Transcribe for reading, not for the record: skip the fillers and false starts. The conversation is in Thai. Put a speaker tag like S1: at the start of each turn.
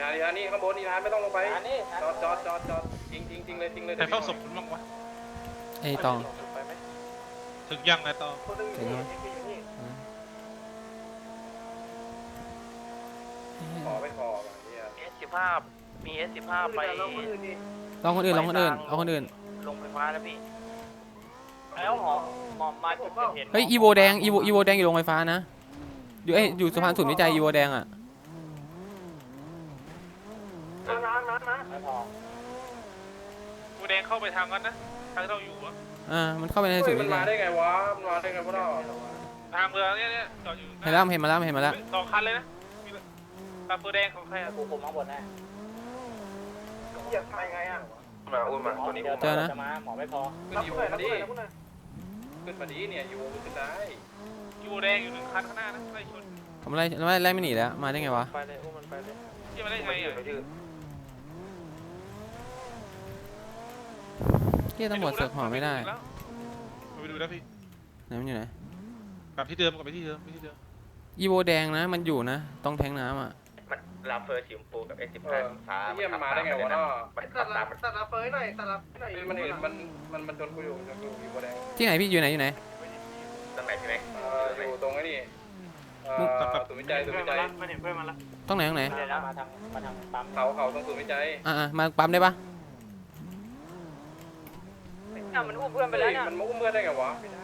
S1: านนี่ข้างบนนี่ทานไม่ต้องลงไปจอดจริงเลย
S2: ใครเฝ้าศพคุณบ้างวะ
S3: ไอ้ตอง
S2: ถึงยังไงตอง
S3: ถึงแล้ว
S1: ขอไปขอเนี่ย
S4: S15มี S15ไป
S3: ลองคนอื่นเอาคนอื่น
S4: ลงไฟฟ้าแล้วพี่แล้วหมอมาจุดเกิดเหตุ
S3: เฮ้ยอีโวแดงอีโวแดงอยู่โรงไฟฟ้านะอยู่สะพานศูนย์วิจัยอีโวแดงอ่ะ
S4: ไม่พอ
S2: กูแดงเข้าไปทางนั้นนะทางที่เราอยู่อะ
S3: มันเข้าไปในศูนย์
S1: มั
S3: วิ
S1: น
S3: จั
S1: มาย ได้ไงวะมันมาได้ไงพวกเรา
S2: ทางเมืองเนี่ยจอดอยู่
S3: เห็นแล้วเห็นมาแล้ว
S2: 2 คันเลยนะตาตัวแดงของใครอะ
S4: กูคุมข้างบนแน่
S1: อยากไปไงอ่ะมาอุ้มมาตัวนี้อุ้ม
S3: เจอนะ
S4: จะมาหมอไม่พอ
S1: ขึ้นอยู่มาดิขึ้นมาดิเนี่ยอยู่ขึ้นได้
S2: ยูแดงอยู่1 คันข้างหน้านะไล่ชน
S3: ผมไล่ไม่หนีแล้วมาได้ไงวะ
S1: ไปเลยอุ้มมันไปเลย
S2: ที่มาได้ไงอ่ะ
S3: เที่ยตำรวจเสิร์ฟหอไม่ได้
S2: ไปดูนะพี่
S3: ไหนมันอยู่ไหน
S2: กลับที่เดิมไปที่เดิม
S3: อีโวแดงนะมันอยู่นะต้องแทงน้ำอ่ะ
S5: มันลาเฟอร์สีชมพูกับ S15 ฟ้า
S1: เยี่ยมมาได้ไงวะเนาะ
S5: มันขับตาม
S1: ตัดรับเฟยหน่อยมันเห็นมันจนกูอยู่อยู่บนแดง
S3: ที่ไหนพี่อยู่ไหน
S5: ตรงไหนใช่ไหม
S1: อยู่ตรงไอ้นี่ศูนย์วิจัย
S4: ไม่เห็นเพื่อนมาละ
S3: ตรงไหน
S4: มาทางปั๊ม
S1: เขาตรงศูนย์วิจัย
S3: มาปั๊มได้ปะ
S4: มันอุ้มเพื่อนไปแล้วเนี่ย
S1: มันมุ้งเมื่อได้ไงวะพี่